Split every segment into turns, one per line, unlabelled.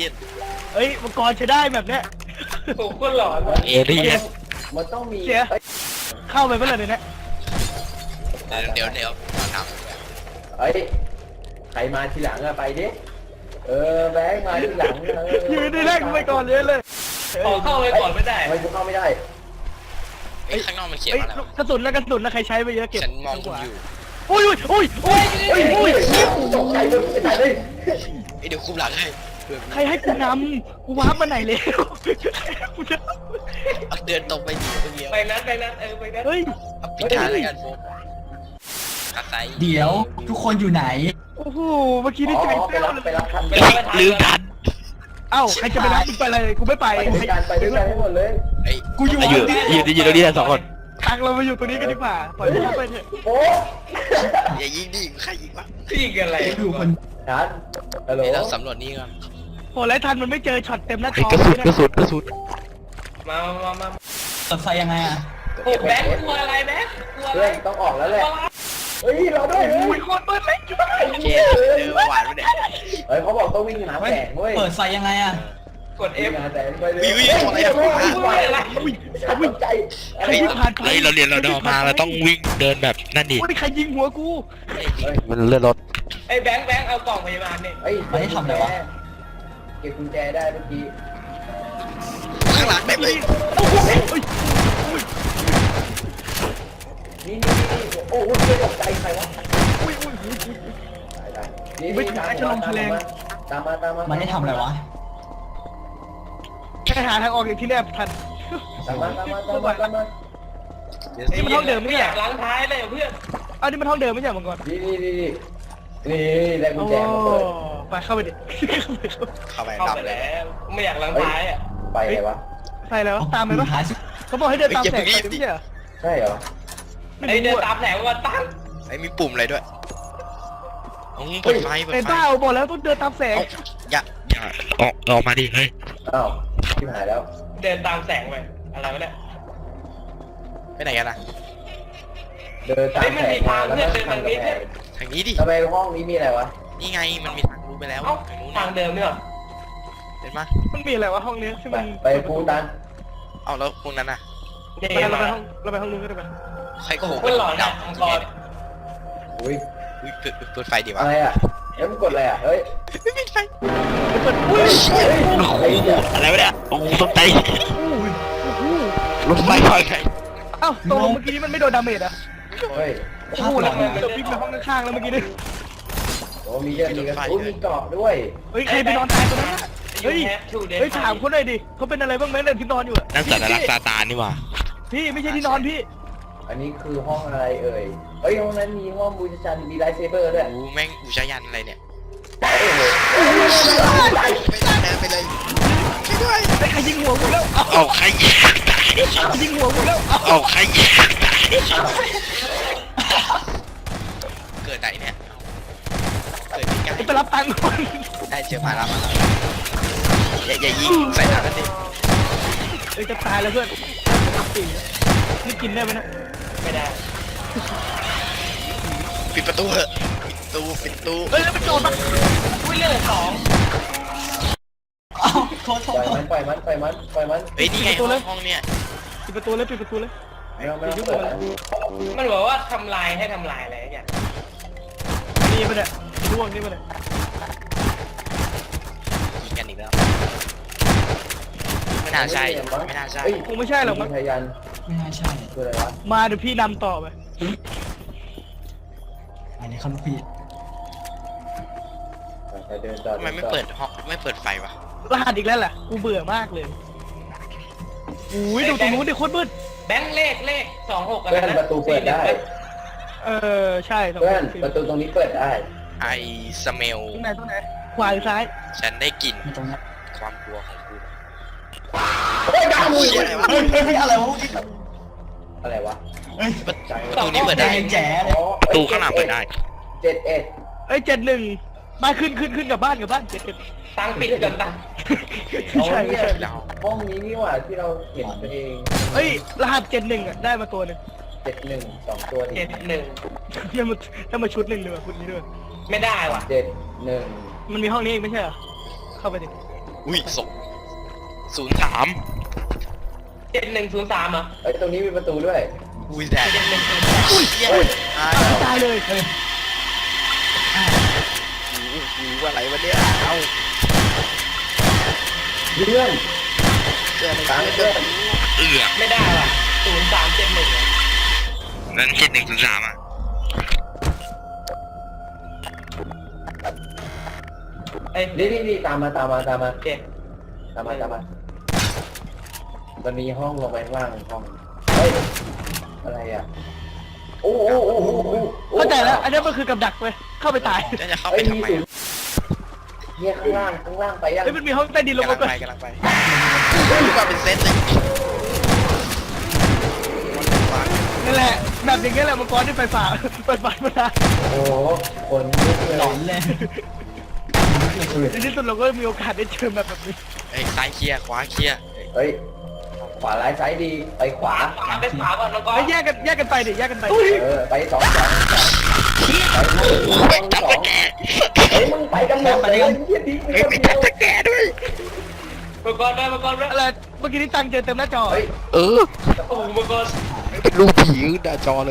ลี่ยน
เฮ้ยมังกรใช้ได้แบบเนี้ย
โอ้โหคนหลอนว่ะ
เอเลี่ยน
มันต้องมี
เสียเข้าไปเมื่อไหร่เนี่ย
เดี๋ยวน้
เฮ้ยใครมาทีหลังอะไปดิแบงค์มาทีหลัง
ยืนได้แรกกูไปก่อนเลย
ขอเข้าไปก่อนไม่ได้
ทำไมกูเข้าไม่ได้
ำไอ้ข้างนอกมันเขียน
เฮ้ย
อะไรวะ
กระสุนนะใครใช้ไปเยอะเก็บ
ฉันมองคุณอยู่
อุ้ย
เฮ้ยตกใจเลยไอ้ใจเลย
ไอ้เดี๋ยวคุมหลังให้เผื่อ
ใครให้กูนำกูวาร์ปมาไหนเลยกูจะ
เอาเดินตรงไปดีคนเดียว
ไปนั้นไปนั้นไปนั้น
เฮ้ย
เอาปิดท้ายแล้วกันโฟกกระไซ
เดี๋ยวทุกคนอยู่ไหน
โอ้โหเมื่อกี้นี่ใจ
ไป
เต้า
รับ
เลย
ไปรับทัน
ลืมทัน
เอ้าใครจะไปรับมึงไปเลยกูไม่ไป
ไปด้วยกันให้หมดเลย
ไอ้
กูอยู่
อยู่ตรงนี้สองคน
ตังเรามาอยู่ตรงนี้กันดีกว่าปล่อยเขาไปเถอะ
โอ้
อย่ายิงดิใครยิงวะ
พี่กันอะไร
กูอยู่คน
ทันฮัลโหล
เดี๋ยวเราสำรวจนี่ก่อน
โหแล้วทันมันไม่เจอช็อตเต็มหน้าจอ
กระสุน
มา
เปิดไฟยังไงอ่ะ
โอ้แบงค์กลัวอะไรแบงค์กลัวอะ
เพื่
ไร
อนต้องออกแล้วแหละเฮ้ยเราด้วย
อุ้ยโคตรเบิ้ลเลยจุ๊บ
เจหวานไปเนี่ย
เฮ้ยเขาบอกต้องวิ่งหาแสงเว้ย
เปิดไฟยังไงอ่ะ
กด
วิ่
F
งหาแสงไปเลย
อุ้ย
ตกใจ
ใครที่ผ่านไป
เฮ้ยเราเรียนเราเดินมาเราต้องวิ่งเดินแบบนั่นดิ
โอ้ยใครยิงหัวกู
มันเลื่อนรถ
ไอ้แบงค์เอากล่องพยาบาลเนี่ย
เฮ้ยเก็บกุญแจได้เมื่อกี้
ข้างหลังเต็มเลย
โอ้โหเฮ้ย
นี่โอ้โหตกใจใครวะ
อุ้ย
ตามมา
มันได้ทำอะไรวะ
แค่หาทางออกอย่างที่แนบทัน
ตามมา
นี่มันห้องเดิมไม่
ไม่
ใช่
อยากล้างท้ายเลยเพื่อน
เอานี่มันห้องเดิมไม่ใช่มังกร
นี่ได้กุญแจมาเปิด
ไปเข้าไปดิ
เข้าไป
เข้า
รับ
ไป
เลย
แล้วไม่อยากล้างท้ายอ่ะ
ไปไงวะ
ใส่แล้วตามไปปะ
ท้ายสุด
เขาบอกให้เดินตามแสงไปไม่ใช่เหรอ
ใช่เหรอ
ไอ้เดินตามแสงวันตั้ง
ไอ้มีปุ่มอะไรด้วยเปิดไฟ
เป็นบ้าบอกแล้วต้องเดินตามแสง
อย่า
ออกมาดิเฮ้ย
อ้าวที่หายแล้ว
เดินตามแสงไปอะไรวะเนี่ย
ไปไหนกันล่ะ
เดินตามแสงมาแล้วก็ทางกำแพง
ทางนี้ดิ
ทำไมห้องนี้มีอะไรวะ
นี่ไงมันมีทางรู้ไปแล้ว
เอ้า
ทางนู้น
ทางเดิมเนี่ย
เห็นไหม
มันมีอะไรวะห้องนี้ที่มัน
ไปพูดัน
เอาแล้วพวกนั้นน่ะ
เนี่ย
เรา
มา
ไปห้องนู้นก็ได้ปะ
ใครก็โห
คนหลอนดับมังกร
อุ้ย
เปิดไฟดีวะ
อะไรอ่ะแล้วมันกดอะไรอ่ะเฮ้ย
ไม่ปิดไฟ
อุ้ย
โอ้โหอะไรวะเนี่ยโอ้โหตกใจ
โอ้โห
รถไฟไฟไง
เอ้าตกลงเมื่อกี้มันไม่โดนดาเมจอ่ะ
เฮ้ย
โอ้โหแล้วมันจะวิ่งไปห้องข้างๆแล้วเมื่อกี้นี่
โอ้มีเยอะมีกระสุนมีเกาะด้วย
เฮ้ยใครไปนอนตายตรงนั้นเฮ้ยเฮ้ยถามเขาหน่อยดิเขาเป็นอะไรบ้างไหมเนี่ยที่นอนอยู่อะ
นั่นสัตว์รักษาตานี่หว่า
พี่ไม่ใช่ที่นอนพี่
อันนี้คือห้องอะไรเอ่ยเฮ้ยห้องนั้นมีห้องบูชายันมีไลท์เซเบอร์ด้วย
โอ้แม่งอุชายันอะไรเนี่ย ไปเลยช่วยด้วย
ไอ้ใครยิงหัวกูแล้ว
เอาใครยิง
ยิงหัวกูแล้ว
เอาใครยิง
เกิดไหนเนี่ยเกิดที่ไกล
ไปรับตังค์ก่อน
ได้เจอมาแล้วอย่ายิงใส่หน้ากันดิ
เอ้ยจะตายแล้วเพื่อนนี่กินได้ไหมนะ
ไม่ได้
ปิดประตูเถอะปิดประตู
เอ้ยแล้วมันโดนปะ
อุ้ยเรื่องสอง
อ้าวโทษ
ปล่อยมันปล่อยมันปล่อยมัน
เฮ้ยนี่ไงห้องเนี่ย
ปิดประตูเลยปิดประตูเลย
ไม่ต้องเปิด
มันบอกว่าทำลายให้ทำลายอะไรอย่าง
นี่มันเนี่ยร่วงนี่มันเนี่ย
ยิงกันอีกแล้วไม่น่าใช่ไม่น่าใช่
คงไม่ใช่หรอกมั้ง
พยัน
ไม่น่าใช่
คืออะไรวะ
มาเดี๋ยวพี่นำต่อไป
อันนี้เขาลูกพี่
เดินต่อ
ทำไมไม่เปิดห้องไม่เปิดไฟวะ
รหัสอีกแล้วแหละกูเบื่อมากเลยอุ้ยดูตรงนู้นดิโคตรมืด
แบงค์เลข26อะไร
เพื่อน
นะ
ประตูเปิดได้
ใช่ตรง
เพื่อน
นี้
ประตูตรงนี้เปิดได้
ไอสเมล
ตรงไหนตรงไหนขวาหรือซ้าย
ฉันได้กลิ่น
มีตรงเนี้ย
ความกลัวของกู
เฮ้ยดาวมือ
เชี่ยอะไรวะ
เฮ้ยเฮ้ยอะไรวะ
อะไรวะ
เฮ้ย
ประตูนี้เปิดได้
แจ๋เลย
ประตูข้างหลังเปิดได้
71
เอ้ย71บ้านขึ้นกับบ้าน71
ตังปิดกันตัง
ไม่ใช่ไม่ใช่
เรา
ห้องนี้นี่หว่าที่เราเห็นตัวเอง
เฮ้ยรหัส71อ่ะได้มาตัวหนึง
71 2ตัวดิ
71
ถ้ามาชุดหนึ่งเลยว่ะชุดนี้ด้วย
ไม่ได้ว่ะ
71
มันมีห้องนี้เองไม่ใช่เหรอเข้าไปดิ
อุ้ย03
7103อ่ะ
เฮ้ยตรงนี้มีประตูด้วย
อุ้ยแดด
7103
อุ้ยเหี้ยตาย
ตายเลย
หูอะไรวะเนี่ยเอา
เพื่อน
เจออะไร
ตาม
เจ
เพื่
อ
อน
ไม่ได้ว่ะ0371อ่ะ
นั้น7103อ่ะ
เอ้ย
นี่ตามมา
เจ็ด
ตามมามันมีห้องลงไปข้างล่างห้องเฮ้ยอะไรอ่ะโอ้โห
เข้าใจแล้วอันนี้มันคือกับดักเว้ยเข้าไปตาย
แล้วจะเข้า
เฮ้
ไป
ย
ทำ
มี
ไม
ศูนย์เนี่ยข้างล่างไปยัง
เฮ้ยมันมีห้องใต้ดินลง
กำลั
มาง ไป
ไปรู้ว่าเป็นเซตเลย
นั่นแหละแบบอย่างเงี้ยแหละมังกรที่ไฟฝ่าเปิดไฟมาได้
โอ้โหคนลุกเลย
หลอนเลย
ในที่สุดเราก็มีโอกาสได้เจอแบบนี้
เอ้ยซ้ายเคลียร์ขวาเคลียร์
เฮ้ยขวาร้ายซ้ายดีไปขวา
ไปขวาก่อนแล้วก็
เฮ้ยแยกกันไปดิแยกกันไป
ไปสองไปเฮ้ยมึงไปกันหมดเลยเหี้ยทิ้งไปคนเดียว
แกด้วย
มังกรด้วย
อะไรเมื่อกี้ที่ตังเจอเต็มหน้าจอ
เฮ้ย
เออ
โอ้มังกร
เป็นรูปผีหน้าจอเลย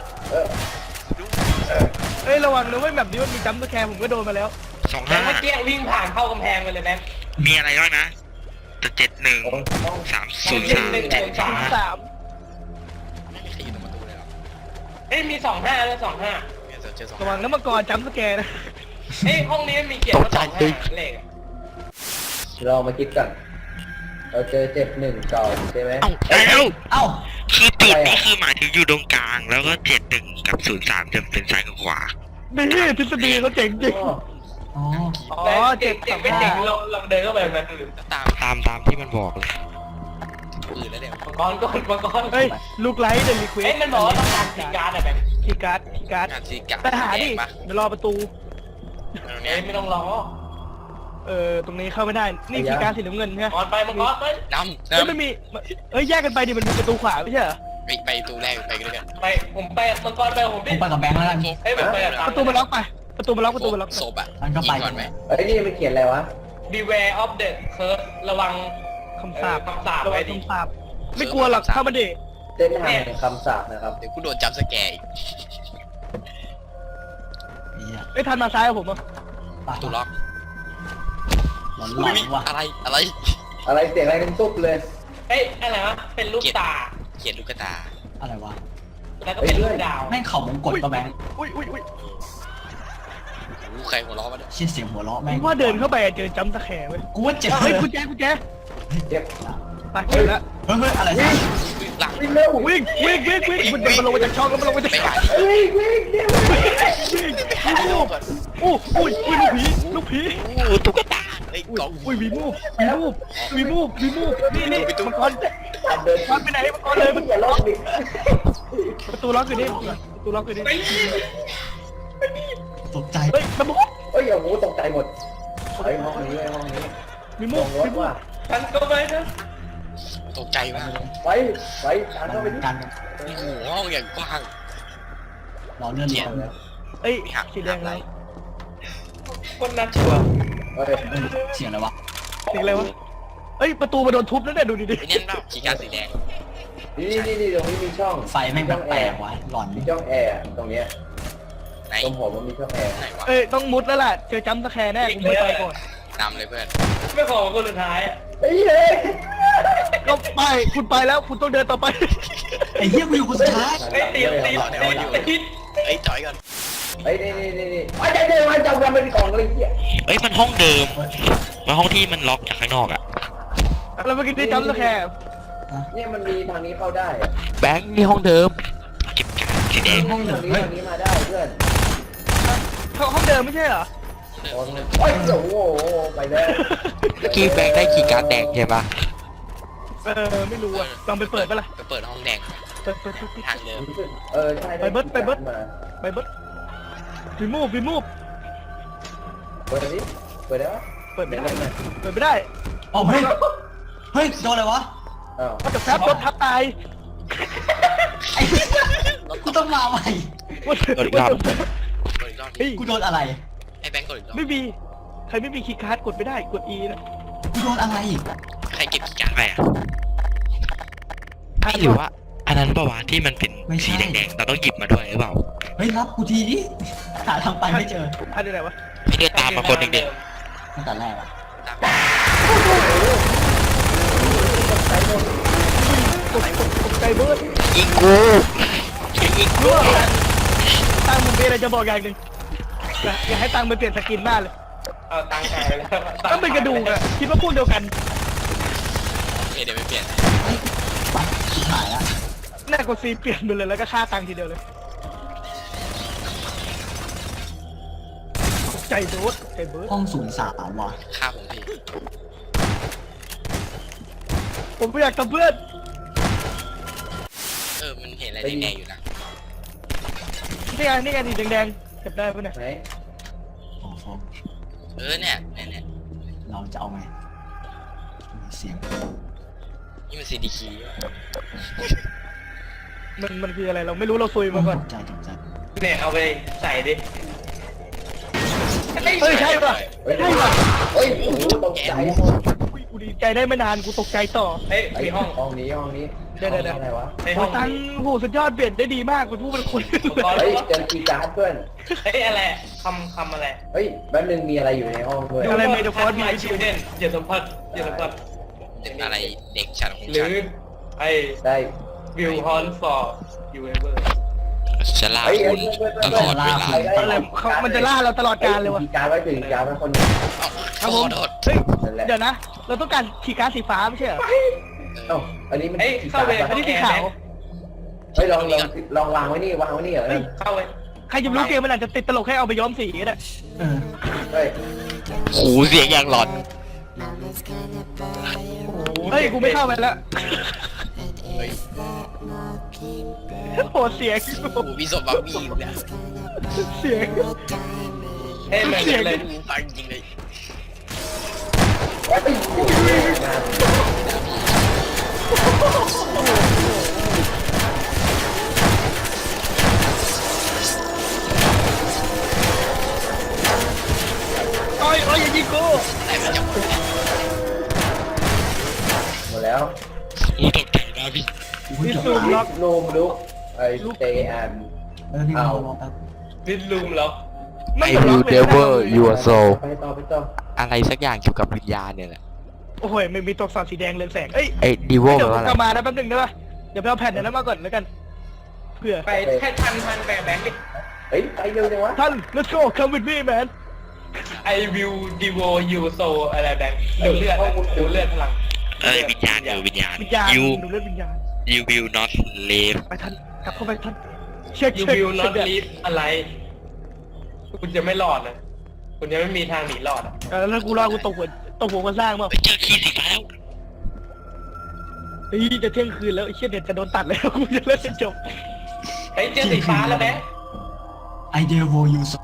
เฮ้ยระวังนะเว้ยแบบนี้มันมีจัมป์สแคร์ผมก็โดนมาแล้ว
แต่เมื่อกี้
25
วิ่งผ่านเข้ากำแพงไปเลยแบงค์
มีอะไรบ้างนะแต่71 303
สาม
ไม่มีใครอยู่ตรงประตูเลยหรอ
เอ้ยมี25ด้วย25
เนี่ยเจอสอง
ระวังนะมังกรจัมป์สแกร์นะ
เอ้ยห้องนี้มันมีเขียนว่า25เลขอะ
เรามาคิดกันเราเจอ71ก่อนใช่ไหม
เอ้าแล้ว
เอ้า
คือจุดนี่คือหมายถึงอยู่ตรงกลาง แล้วก็71กับ03จะเป็นซ้ายกับขวา
นี่ทฤษฎีเขาเจ๋งจริง
อ๋อ
อ๋อ
แบงค์
เจ็
เจ๋
บ
งไม่เจ๋งเราเดินเข้าไปแบบนั้น
ตาม
ตามที่มันบอกเลย
อื่นแล้วเดี๋ยว
มังกรก่อน
เฮ้ยลูกไลท์เดลิควิ
เอ้ยมันบอกว่าต้องการคีย์การ์ดอะแบงค์
คีย์การ์ด
งานสีกะ
ไปหาดิ
ปะ
เดี๋ยวรอประตู
เนี่
เอ้
ย
ยไม่ต้องรอ
ตรงนี้เข้าไม่ได้ นี่คีย์การ์ดสีน้ำเงินใช่ไหม
มังกรไปมังกรไป
น้ำ
เฮ้ยมันมีเฮ้ยแยกกันไปดิมันมีประตูขวาไม่ใช่เหรอ
ไปตูแรกไปกันเลยกัน
ไปผมไปมังกรไปผม
ผ
ดิ
มไปกับแบงค์แล้วกัน
เอ้ยผมไปกับ
ประตูมันล็อกไปประตูมันล็อกประตูมันล็อก
ศพอ่ะ
มันก็ไป
ยิงก่อนไหม
เฮ้ยนี่มันเขียนอะไรวะ
Beware of the curse ระวัง
คำสาป
คำสาป
ระวั
ไว้
ง
ดิ
คำสาปไม่กลัวหรอกเข้ามาดิ
เส้นทางแห่งคำสาปนะครับ
เดี๋ยวกูโดนจับสแกร์อีก
เหี้ย
เอ้ยทันมาซ้ายกับผมอ่ะ
ปะ
ตูล็อก
หลอนหลอนว่ะ
อะไร
อะไรเสียงอะไรกันตุ๊บเลย
เฮ้ยอะไรวะเป็นรูปตา
เขียนลูกตา
อะไรวะ
แล้วก็เป็นรูปดาว
แม่งเข่ามงกดปะแบงค์
อุ้ย
หูใครหัวล้อมาเนี่ย
เชี่ยเสียงหัวเราะแม่ง
ว่าเดินเข้าไปเจอจัมป์สแคร์เว้ย
กูว่าเจ็บ
เฮ้ยกุญแจ
เจ็บ
ไปเจอแล้ว
เฮ้ยอะไรสัก
หลัง
วิ่งเร็ว
วิ่งมันลงมาจากช่องแล้วมันลงมาจาก
ไป
ช่อง
หาที่
วิ่งเนี่ย
หาที่โลกก่อน
อุ้ยลูกผี
อู้ตุ๊กตาไอ้ยกล่อง
อุ้ยวีมูฟนี่มังกร
เดิน
มันไปไหนมังกรเลย
มึงอย่าลอกดิ
ประตูล็อกอยู่นี่ประตูล็อกอยู่นี่
ตกใจ
เฮ้ยมันบุก
เฮ้ยโอ้โหตกใจหมดเฮ้ยห้องนี้ห้องนี้
มี
ล
มูฟ
งรถว่ะ
ฉันก็ไปนะ
ตกใจมาก
ไปตามเข้าไปดิ
กัน
โอ้โหห้องอย่างกว้าง
รอเลื่อนลง
เอ้ยสีแดงเลย
คนนัดชัวร์
เฮ้ย
เสียงอะไรวะ
สีอะไรวะเอ้ยประตูมาโดนทุบแล้วเนี่ยดูดิ
ไอ้เนี่ยเปล่าขีการสีแดง
นี่ตรงนี้มีช่อง
ไฟแม่งแปลกๆวะหลอน
มีช่องแอร์ตรงเนี้ย
ไหน
ตรงผมมันมีช่องแอร์
ไหนวะ
เอ้ยต้องมุดแล้วล่ะเจอจัมป์สแคร์แน่กูไม่ไปก่อน
นำเลยเพื่อน
ไม่ขอคนสุดท้ายอะ
เฮ้ย
ก็ไปคุณไปแล้วคุณต้องเดินต่อไป
ไอ้เหี้ยกูอยู่คนสุดท้าย
เฮ้ยตี
ไอ้ยจอยก่อน
เฮ้ยนี่ไอ้ใจมันจำกันเป็นกล่องเลยเหี้ย
เอ้ยมันห้องเดิมมันห้องที่มันล็อกจากข้างนอกอ่ะ
แล้วเมื่อกี้ได้จัมป์สแคร์
เนี่ยมันมีทางนี้เข้าได้
แบงค์นี่ห้องเดิมเก็บการสีแดง
ห้องเดิ
ทาม งนี้
เฮ้ย
ทางนี้มาได้เพื่อน
ห้องเดิมไม่ใช่เหรอ
โอ้ยโอ้โหไปแล้ว
เมื่อกี้แบงค์ได้คีย์การ์ดแดงใช่ปะ
ไม่รู้อ่ะลองไปเปิดปะล่ะ
ไปเปิดห้องแดง
เปิด
ทางเดิม
ใช่
ไปเบิดวีมูฟ
เปิดดิเปิดได้ปะ
เปิดไม่ได้เปิดไม่ได้
อ๋อเฮ้ยเฮ้ยโดนอะไรวะ
อ้าว
ก็จะแฟบรถทับตาย
ไอ้เหี้ยกูต้องมาใหม่
กดอีกรอบ
เฮ้ย
กูโดนอะไร
ให้แบงค์กดอีกรอบ
ไม่มีใครไม่มีคีย์การ์ดกดไม่ได้กด E นะ
กูโดนอะไรอีก
ใครเก็บกี่การ์ด
ใครอ่ะไม่หรือว่า อันนั้นประวัติที่มันเป็นสีแดงๆเราต้องหยิบมาด้วยหรือเปล่า
เฮ้ยรับกูทีดิหาทางไปไม่เจอ
ท่านอยู่ไหนวะ
พี่เดินตามมาคนหนึ่งเด็ก
ตั้งแต่แรกอะ
ตกใจเบิร์ด
ยิงกูยิงกู
รู้ว่าตังมึงมีอะไรจะบอกอย่างหนึ่งอยากให้ตังไปเปลี่ยนสกินหน้าเลย
เอาตังค์หายไปแล้ว
ก็เป็นกระดูกอะคิดว่าพวกเดียวกัน
โอเคเดี๋ยวไปเปลี่ยน
ปัดชิบหายละ
หน้ากดซีเปลี่ยนไปเลยแล้วก็ฆ่าตังทีเดียวเลยตกใจโดดใจเบิร์ด
ห้อง03ว่ะ
ฆ่าผมพี่
ผมไม่อยากทำเพื่อน
มันเห็นอะไรแดงๆอยู่นะ
นี่ไงสีแดงๆเก็บได้ปะเนี่ย
ไหน
โอ้โห
เนี่ย
เราจะเอาไงมีเสียง
นี่มันซีดีคี
มันคืออะไรเราไม่รู้เราซุยมาก่อน
ตกใจตกใจ
เนี่ยเอาไปใส่ดิ
เฮ้ยใช่ป่ะ
เฮ้ย
ใช่ป่ะ
เฮ้ยโอ้โหตกใจหมด
อุ๊ยกูดีใจได้ไม่นานกูตกใจต่อ
เฮ้ย
ไอ้
มีห้อง
ห้องนี้
เดี๋ยว
อะไรวะ
ใน
โอ้
ห้อง
ตังโหสุดยอดเปลี่ยนได้ดีมากกูพูดเป็นคน
เฮ้ยเจอคีย์การ์ดเพื่อน
เฮ้ยอะไรคำอะไร
เฮ้ยแป๊บนึงมีอะไรอยู่ในห้องด้วย
อะไรเมดฟอร์ด
มีชิลเดนอย่าสัมผัสอย่าสัมผัส
เด็กอะไรเด็กฉันของ
หรื
ฉัน
อไอ้
ได้
วิวฮอนฟอร์ยูเอเวอร์
จะล่าคุณตลอดเวลา
อะไรเขามันจะล่าเราตลอดกาลเลยวะ
คีย์การ์ดไว้ถึงการ์ดไว้คนหนึง
ครับผม
โทษ
เฮ้ย
นั่นแหละ
เดี๋ยวนะ เราต้องการขีย์การ์ดสีฟ้าไม่ใช่เหรอ
เอ้าอันนี้มัน
เฮ้ย
คีย์
เข้า
การ์ด
ไป
ปะ
อันนี้สีขาว
เฮ้ยลองวางไว้นี่วางไว้นี่เหรอ
เข้าไป
ใครจะรู้เกมมันอาจจะติดตลกให้เอาไปย้อมสีก็ได้
เออ
เฮ้ย
หูเสียงอย่างหลอน
เฮ้ยกูไม่เข้าไปแล้ว
เฮ้ย
โหเสียง
โอ้โหมีศพบักบี้อยู่เนี่ย
เสียง
เฮ้ยมัน
เสียง
เลย
ดูฟังจริงเลย
โอ้ยอย่ายิงกู
แต่มันจะ
หมดแล้ว
หูตกใจนะพี่
นี่ซูมล็อก
ลูมลุกไอ้เตอัน
พี่
เอา
รอแป๊บ
ดินลุมเหรอ
ไม่
I
ล็อก
will
เลย
never your soul
ไปต่อ
อะไรสักอย่างเกี่ยวกับวิญญาณเนี่ยแหละ
โอ้โหไม่มีตัวอักษรสีแดงเรืองแสงเอ้ย
ไอ้ดีโว
เดี๋ยว
แปล
ผ
ว่าม อะไร
กลับมานะแป๊บนึงได้ปะเดี๋ยวไปเอาแผ่นเดี๋ยวนั้นมาก่อนแล้วกัน เผื่อ
ไปแค่ทันแบงค์ดิ
เฮ้ยไปเร็วจังวะ
ท่าน let's go come with me man
ไอวิวดีโวยูโซอะไรแบงค์ดูเลือดดูเลือดพลัง
วิญญาณวิญญาณ
วิญญาณ
you
ดูเรื่องวิญญาณ
you will not live
ไปท่านกลับเข้าไปท่านเช็ค
ยู
เช็ค
วิวนอต
เช็ค
ลีฟอะไร คุณจะไม่รอดนะคุณจะไม่มีทางหนีรอดอ่ะ
แล้วกูรอกูตกหัวกันสร้างมั้ง
ไปเจอคีย์สีฟ้าแล้ว
เฮ้ยจะเที่ยงคืนแล้วไอ้เชี่ยเด็ดจะโดนตัดแล้วกูจะเล่นจบ
เฮ้ยเจอสีฟ้าแล้วแบงค์
ไอเดียโวยูส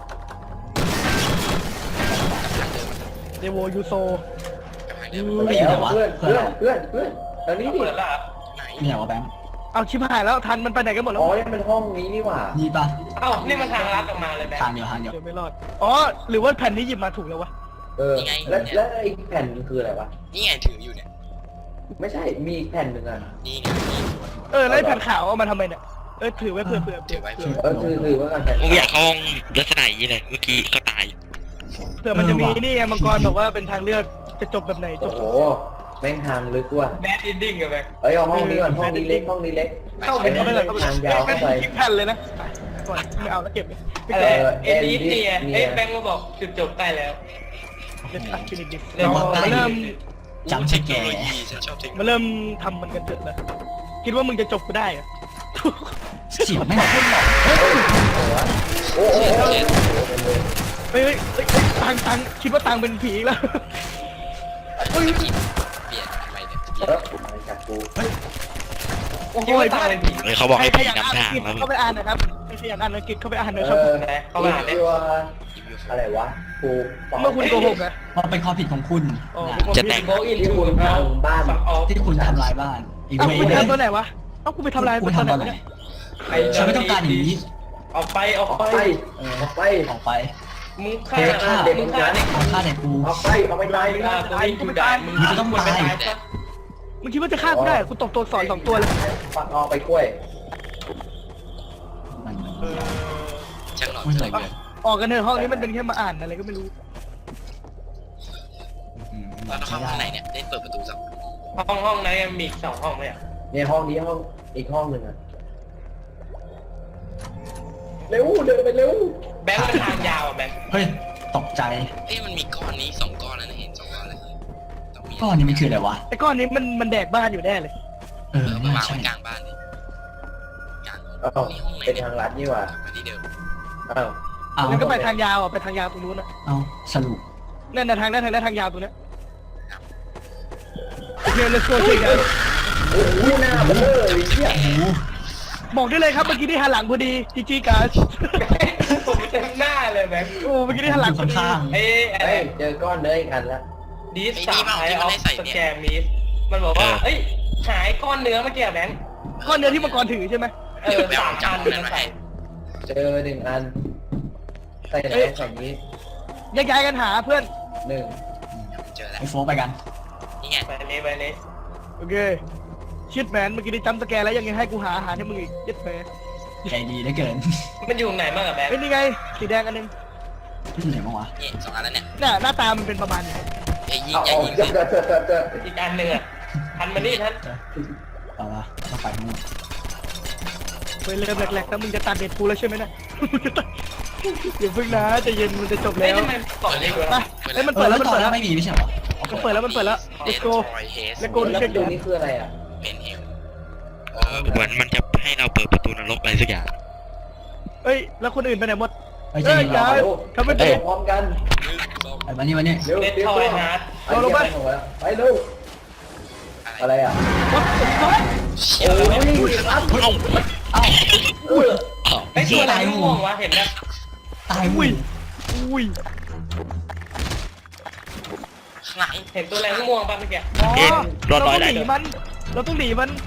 เดโวยูโซ
ไปแล้วเพื่อนตอนนี้ดิ
เปิดละ
ไหน
เนี่ยวะแบงค์
เอาชิบหายแล้วทันมันไปไหนกันหมดแล้ว
อ๋อนี่มันห้องนี้นี่หว่า
นี่ปะ
เอ้านี่มันทางลัดออกมาเลยแบง
ทาง
ค์
เดียวทางเดียว
เดี๋ยวไม่รอดอ๋อหรือว่าแผ่นนี้หยิบมาถูกแล้ววะ
แล้วไอ้แผ่นคืออะไรวะ
นี่ไงถืออยู่เนี่ย
ไม่ใช่มีอีกแผ่นหนึ่งอ่ะ
นี่ไงนี่
แล้วไอ้แผ่นขาวเอามาทำไมเนี่ยถือไว้เผื่อ
ถือไว้
คือว่าการแผ่น
ผมอยากเข้าห้องลักษณะอย่างนี้เลยเมื่อกี้ก็ตาย
เผื่อมันจะมีนี่ไงมังกรบอกว่าเป็นทางเลือกจะจบแบบไหนจ
โอ้
บ
โหแม่งทางลึกว่ะ
แบดอินดิ้งกับแบงค์
เอ้ยเอาห้องนี้ก่อนห้องนี้เล็กห้องนี้เล็ก
เข้าไปเข้าไปเลยเข้าไป
ทางยาวเข้าไป
ทิ้งแผ่นเลยนะก่อนไม่เอาแล้วเก็บเลย
อะไรเอ็นดีนี่ไงเฮ้ยแบงค์มาบอกจุดจบใกล้แล้ว
เด็ดตัดฟินิชดิ
เดี๋ยว
มาเริ่ม
จำสแก
เทคโน
ร์
โลยีฉันชอบเทคโนโล
มา
ยี
เริ่มทำมันกันเถอะนะคิดว่ามึงจะจบกูได้เหรอ
เสียงไม่งขึ้นหรอก
โอ้โห
เฮ้ยตังคิดว่าตังเป็นผีอีกแล้ว
เปลี่ยนทำไมเนี่ย
อะไรจากกู
โอ้โห
คิดว่าตายเป็นผี
เลยเขาบอกให้
ใคร
ผี
อยากอ่าน
นำ
อั
ทาง
งกฤษ
แล้ว
เข้าไปอ่านนะครับใครอยากอ่านอังกฤษเข้าไปอ่านหน่อยครับ
เข้ามาเนี่ย
ตัวอะไรวะกู
เมื่อคุณโกหกนะ
มันเป็นความผิดของคุณ
อ๋อ
นะ
จะแต่ง
โบอินทูเอาฟังออฟ
ที่คุณทำลายบ้านอี
เอ้า
เว
กู
ย์
ไปทำตัวไหนวะเอ้ากูไปทำลาย
คุ
ตัว
ณ
ไหน
ทำอะไร
วะเนี่ย
ฉันไม่ต้องการอย่างนี้
ออกไปออก
ออก
ไป
ไปออกไป
ออกไป
มึงฆ่า
เฮ้ยฆ่าเด็ก
มึงฆ่าเด็ก
เอาฆ่าเด็กกู
เอาไปเอาไปตาย
มึงฆ่ากูไม่กูได้มึง
มึงต้องตาย
มึงคิดว่าจะฆ่ากูได้กูตบตัวสอน2ตัวเลย
ปักออกไปกล้วย
มัน
ช่างหลอน
อุ้ย
ใจ
อะไร
เกิน
ออกกันเถอะห้องนี้มันเป็นแค่มาอ่านอะไรก็ไม่รู้
แล้วเข้าห้องไหนเนี่ยได้เปิดประตูสัก
ห้องนั้นยังมีอีก2 ห้องไหมอ่ะ
เนี่ยห้องนี้ห้องอีกห้องหนึ่งอะเร็วเดินไปเร็ว
แบงค์มันทางยาวอ่ะแบงค์
เฮ้ยตกใจ
เอ้ยมันมีก้อนนี้2 ก้อนแล้วนะเห็น2 ก้อนเลยต้องมี
ก้อนนี้มันคืออะไรวะ
ไอ้ก้อนนี้มันแดกบ้านอยู่แน่เลย
เออ
มัน
น่าว
าง
ใช่
ไว้กลางบ้านเลยกลาง
อ้าวเป็นทางลัดนี่หว่า
มาที่เดิม
อ้าว
เอา
แล้วก็ไปทางยาวอ่ะไปทางยาวตรงนู้นอ่ะ
เอาสรุป
นั่นน่ะทางทางยาวตรงเนี้ยโอเค let's go ช่วยกัน
โอ้โหหน้าเบลอเลยเนี่ย
โอ้โห
บอกได้เลยครับเมื่อกี้ที่หันหลังพอดีจีจีการ์ด
ผมเต็มหน้าเลยแบงค์
โอ้เมื่อกี้ที่หันหลังพอดี
ข้าง
เอ้ยอะไร
เฮ้ยเจอก้อนเนื้ออีกอันแล้ว
ดีสสามไทยออฟสแกมมีสมันบอกว่าเอ้ยหายก้อนเนื้อเมื่อกี้อะแบงค์
ก้อนเนื้อที่มังกรถือใช่ไหม
3 อันมันใส่
เจอหนึ่งอันใส่ไหนใส่นี้
แยกย้ายกันหาเพื่อน
หนึ่ง
เจอแล้ว
ไอโฟกไปกัน
นี่ไง
ไปนี้
โอเคชิดแมนเมื่อกี้ได้จำสแกนแล้วยังไงให้กูหาอาหารให้มึงอีกยัดแมน
ใจดีเหลือเกิน
มันอยู่ไหนบ้างอะแบงค์
เฮ้ยนี่ไงสีแดงอันนึง
ที่ไหนบ้างวะ
นี่2 อันแล้วเนี่ย
น่ะหน้าตามันเป็นประมาณนี้
เอ้ยยิง
เอา
อย่า
เอา
ยิง
เจ
สิ
อ
อีกอันหนึ่งอะทันมานี่ท่าน
เอาวะต้องไปทั้งหมด
เฮ้ยเริ่มแหลกๆแล้วมึงจะตัดเด็ดกูแล้วใช่ไหมเนี่ยอย่าเพิ่งนะใจะเย็นมันจะจบ
เฮ้ย
แล้ว
ทำไมกล่องนี้
ไปเฮ้ยมัน
เอ
เปิ
อ
ด
แล้
แล้ว วมัน
ตอน
เปิด
แร
แล้ว
กไม่มีไม่ใช่เหรอ
มันเปิดแล้วมันเปิดแล้ว
เด
let's
น
go
ทรอยเฮส
let's go
แล้ว
เช็ค
ตัวนี้คืออะไรอ่ะ
เป็นเฮล
เหมือนมันจะให้เราเปิดประตูนรกอะไรสักอย่าง
เฮ้ยแล้วคนอื่นไปไหนหมด
ไอ้ยใจ
เฮ้ย
เย็น
อย่า
เรา
ทำไม่
ไป
เป็น
พร้อมกัน
ไอ้มานี่มานี่
เร็ว
เลด
เร็
ท
ว
อยฮาร์ด
ไปเร็วอะไรอ่ะ
วัดวัด
เชี่ย
โอ้ยครับ
เอ้า
เอ้า
ไอ้ตัวอะไรม่วงวะเห็นไหม
ตาย
อุ้
อุ้
ย
ย
อุ้ย
ข้างหลัง
เห็นตัวอะไรม่วงป่ะเมื่อกี้
อ๋อ
เอ๊ะรอด
เรา
ร้อย
ต้อง
ได้
หนีมันเราต้องหนีมัน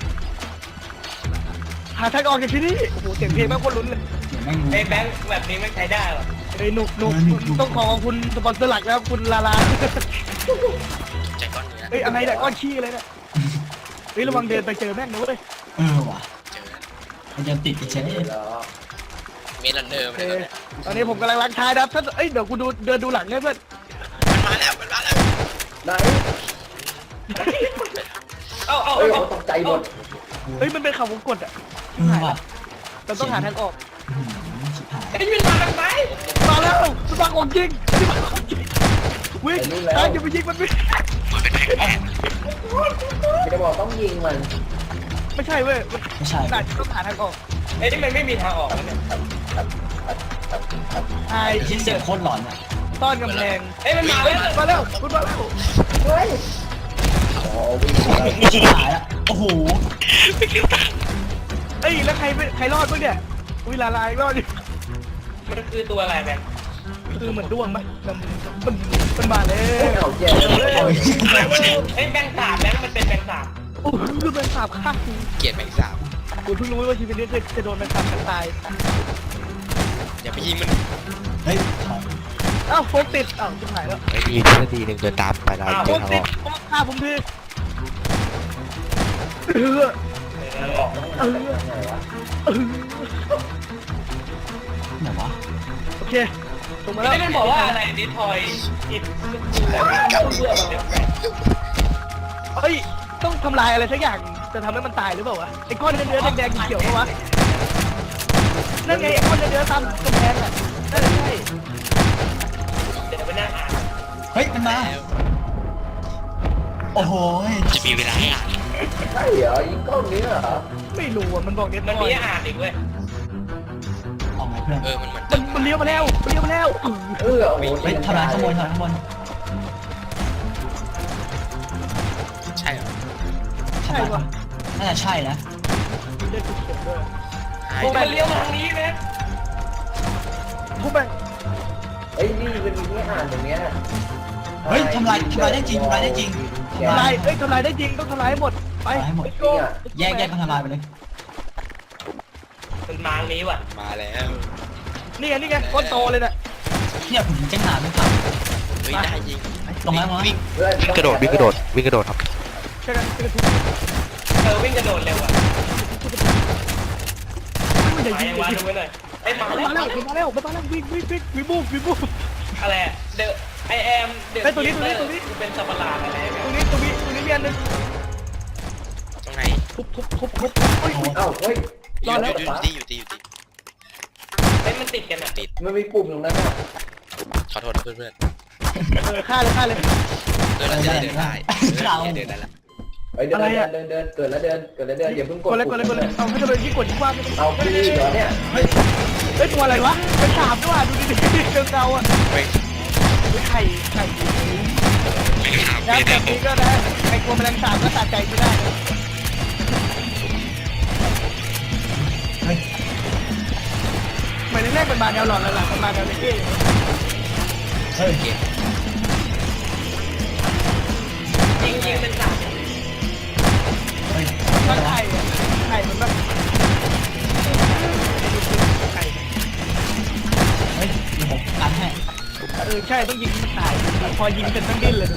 หาทางออกจากที่นี่โอ้โหเสียงเพลงแม่งโคตรลุ้นเลย
เดี๋ยวแม่งรู้
ไอ้แบงค์แบบนี้ไม่ใช้ได้หรอ
เฮ้ยหนุกหนุกต้องขอบคุณสปอนเซอร์หลักนะครับคุณลาลา
ใจก้อนเนื้อ
เฮ้ยอะไรเนี่ยก้อนขี้อะไรเนี่ยเฮ้ยระวังเดินไปเจอแม่งนะเว้ย
เออว่ะ
เจอ
มันจะติดอีกเช่น
เหรอ
เมลันเดิม
โอ
เล
เค
ย
ตอนนี้ผมกำลังล้างท้ายนะครับถ้าเอ้ยเดี๋ยวกูเดินดูหลังให้เพื่อน
มันมาแล้วมันมาแล้ว
ไหน
เอา
เฮ้ยเขาตกใจหมด
เฮ้ยมันเป็นเขาวงกดอ่ะ
เออว่ะ
เราต้องหาทางออก
อื้อหือชิบหาย
ไอ้ยืนมาทางไหน
มาแล้วมันมาของจริงมันมาของจริงวิ่งตายจะไปยิงมันไม่
มันเป็นแผน
จะบอกต้องยิงมัน
ไม่ใช่เว้ยมัน
ไม่ใช่
น่าจะต้องหาทางออก
ไอ้นี่มันไม่มีทางออกแล้วเนี่ย
ไอ้
ที่เสียงโคตรหลอนอ่ะ
ต้อนกำแพง
เอ้ยมันมาแล้ว
มาแล้วคุณมาแล้ว
เฮ้ยอ๋อวิ่งมาแล้ว
ชิบหายละโอ้โห
เอ้ยแล้วใครรอดบ้างเนี่ยอุ้ยลาลายรอดอยู่
มันคือตัวอะไรแบงค์
คือเหมือนด้วงไหมมันมาแล้ว
เอาแย่
ไอ้แบงค์สามแบงค์มันเป็นแบงค์สาม
โอ้โหคือเป็นสาบข้าง
เกลียดแมงสาบ
กูเพิ่งรู้ว่าชีวิตนี้จะโดนมันทำกันตาย
อย่าไปยิงมัน
เฮ้ยถอย
อ้าวโฟกติดอ้าวชิบหายแล้ว
ไม่มีทฤษฎีหนึ่งเดินตามไปแล้ว
โฟ
เดิ
ก
นทาง
ติ
อ
ด
อก
โฟกฆ่าผมที
มันออกต้องหาไงวะ
ไหนวะ
โอเคส่งมาแล้ว
ไอ้มันบอกว่าอะไรดิทอยอิดเบื่อมันเป็น
เฮ้ยต้องทำลายอะไรสักอย่างจะทำให้มันตายหรือเปล่าวะไอ้ก้อนเนื้อแดงๆเขียวๆปะวะนั่นไงไอ้ก้อนเนื้อตามกำแพงอ่ะนั่นใช่
เดี๋ยวไปนั่งอ่าน
เฮ้ยมันมาโอ้โห
จะมีเวลาให้อ่าน
ใช่เหรอยิงก้อนนี้เหรอ
ไม่รู้อ่ะมันบอกเน็ต
มัน
น้อ
มี
ย
อ่านอีกเว้ย
ออกไงเพื่อน
มันเหมือน
มันเลี้ยวมาแล้วมันเลี้ยวมาแล้ว
โอ้โห
เฮ้ยทำลายข้างบนทำลายข้างบน
ใช่เหรอ
ใช่ปะ
น่าจะใช่นะ
เลือดเขียวด้วย
ใช่
โอ้มันเลี้ยวมาทางนี้ไหม
ทุบไป
เฮ้ยนี่มันมีที่อ่านตรงเนี้ย
เฮ้ยทำลายได้จริงทำลายได้จริง
ทำลายทำลายได้จริงต้องทำลายให้หมดไป
ทำลายให้หมด
let's go
แยกกันทำลายไปเลย
มันมาทางนี้ว่ะ
มาแล้ว
นี่ไงก้อนโตเลยน่ะ
เนี่ยผมแจ้งหาไม่ทัน
เฮ้ยได้ยิง
ตรงนั้นมั้ง
วิ่ง
เพื่อน
วิ่งกระโดดวิ่งกระโดดวิ่งกระโดดครับ
ช่วยกันช่วยกันทุบ
วิ่งกระโดดเร็วอ่ะ
มันจะ
มา
ยิ
ยัง งวางดูไว้หน่อยไอ้มา
มา
แล้
แล้ว วมาแล้วมาแล้ววิ่งวิบูฟ
อะไรเดอะไอแอมเดอะ
ไอ้ตัวนี้
เป็นสัตว์ประหลาดอะไร
ตรงนี้มีอันนึง
ตรงไหน
ทุบเฮ้ย
เอ้าเฮ้ย
รอดแล้ว
อยู่ตี
เฮ้ยมันติดกันอ่ะ
ติด
มันมีปุ่มตรงนั้นอ่ะ
ขอโทษนะเพื่อน
ฆ่าเลย
ๆเดินแล้วจะได้เดินได้เดินได้ละ
เฮ้ยเดินเกิดแล้วเดินอย่าเพิ่งก
ก
ด
ดเลยเอาให้เรายิ่งกดยิ่งว่า
เอาพี่เหรอเนี่ย
เฮ้ยตัวอะไรวะเป็นสามด้วยดูดิเงาอ่ะ
เฮ้ย
ไข่
ไม่ถาม
แล้ว
ไม่
แบ
ได้
บ
ผ
นี้
ม
ก็ได้ไอ้กลัวแมลงสาบก็สะใจไม่ได้หมายถึงแรกมันมาแนวหลอดแล้วหลังมันมาแนวเล็กเอง
เฮ้ย
เกม
ยิงเป็นสัตว์
เฮ้ย
มันไข่มันแบบไข่
เฮ้ยผมกันให้
ใช่ต้องยิงมันตายพอยิงเสร็จต้องดิ้นเลย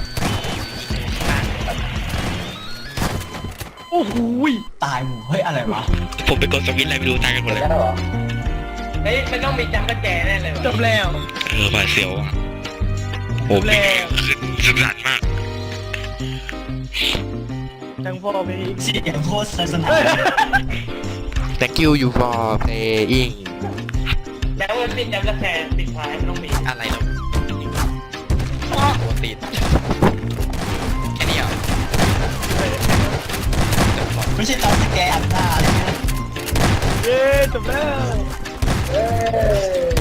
โอ้โห
ตายหมู่เฮ้ยอะไรวะ
ผมไปกดสวิตช์อะไรไม่รู้ตายกันหมดเลย
แล้วเหรอ
เฮ้ยมันต้องมีจัมป์สแกร์แน่เลย
จบแล้ว
หวาดเสียวอ่ะโอ้โหคือสุดสันมาก
จังพ่อไปอีก
เสียงโคตรสนาน
Thank you for playing
แล้วมันติดจัมป์สแกร์ติดท้ายมันต้องมี
อะไรเนาะตัวติดแค่นี้เหรอ
ไม่ใช่ตอนสแกนหน้าอะไรเงี้ย
เย้จบแล้ว
เอ้ย